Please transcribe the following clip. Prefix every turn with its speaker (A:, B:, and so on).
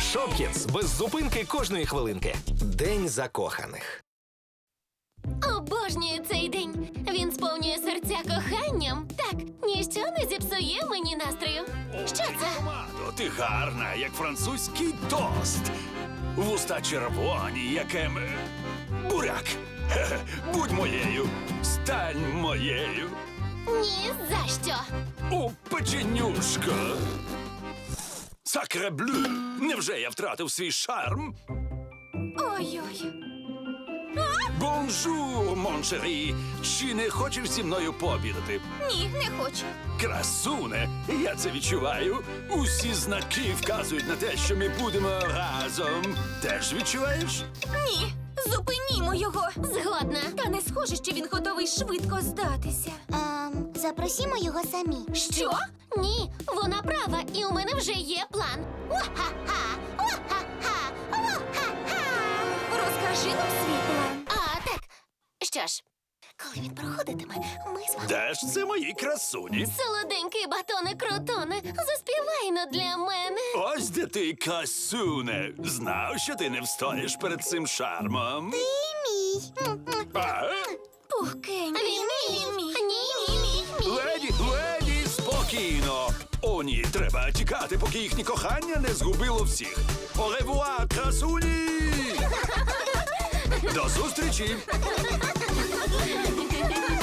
A: Шопкінс. Без зупинки кожної хвилинки. День закоханих.
B: Обожнюю цей день. Він сповнює серця коханням. Так, ніщо не зіпсує мені настрою. Що це?
C: Томато, ти гарна, як французький тост. Вуста червоні, як буряк. Хе-хе. Будь моєю, стань моєю.
B: Ні, за що?
C: О, печенюшка. Сакреблю. Невже я втратив свій шарм?
B: Ой-ой.
C: Бонжур, моншері. Чи не хочеш зі мною пообідати?
B: Ні, не хочу.
C: Красуне, я це відчуваю. Усі знаки вказують на те, що ми будемо разом. Теж відчуваєш?
B: Ні, зупинімо його. Згодна. Та не схоже, що він готовий швидко здатися.
D: Запросімо його самі.
B: Що? Ні, вона права, і у мене вже є план. Уа-ха-ха! Уа-ха-ха! Уа-ха-ха! Розкажи нам свій план. А, так. Що ж, коли він проходитиме, ми з вами...
C: Де ж це мої красуні?
B: Солоденький батоне-крутоне, заспівай-но для мене.
C: Ось де ти, красуне. Знав, що ти не встоїш перед цим шармом.
D: Ти мій.
C: А?
B: Пухкенький. Він мій. Ні.
C: Леді, спокійно. О, ні, треба тікати, поки їхнє кохання не згубило всіх. Au revoir, красуні! До зустрічі!